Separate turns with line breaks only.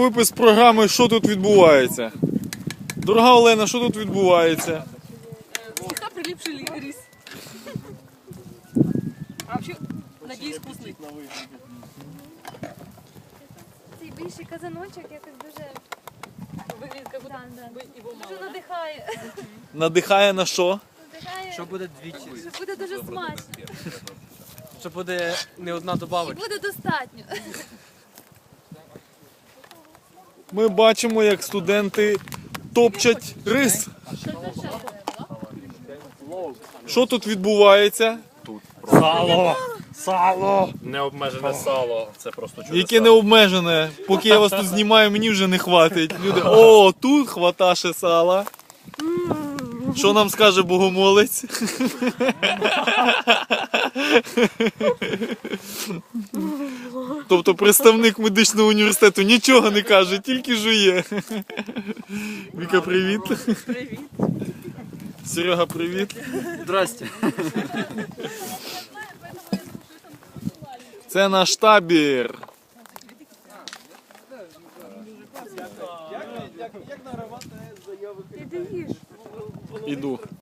випис програми «Що тут відбувається?». Дорога Олена, що тут відбувається?
Слегка прилипший рис. А вообще, надеюсь, вкусный.
Цей більший казаночок якось дуже,
Выглядит, как будто бы его мало,
дуже
да?
надихає.
Надихає на що?
Надихає,
Що буде двічі?
що буде дуже смачно.
Що буде не одна
І
добавочка?
буде достатньо.
Ми бачимо, як студенти топчать рис. Що тут відбувається?
Сало! Сало! Необмежене сало. Це просто чудеса.
Яке не обмежене. Поки я вас тут знімаю, мені вже не хватить. Люди, о, тут хвата ще сала. Що нам скаже богомолець? Тобто представник медичного університету нічого не каже, тільки жує. Віка, привіт.
Привет.
Серега, привіт.
Здрасте.
Це наш табір.
Ти їж.
Іду.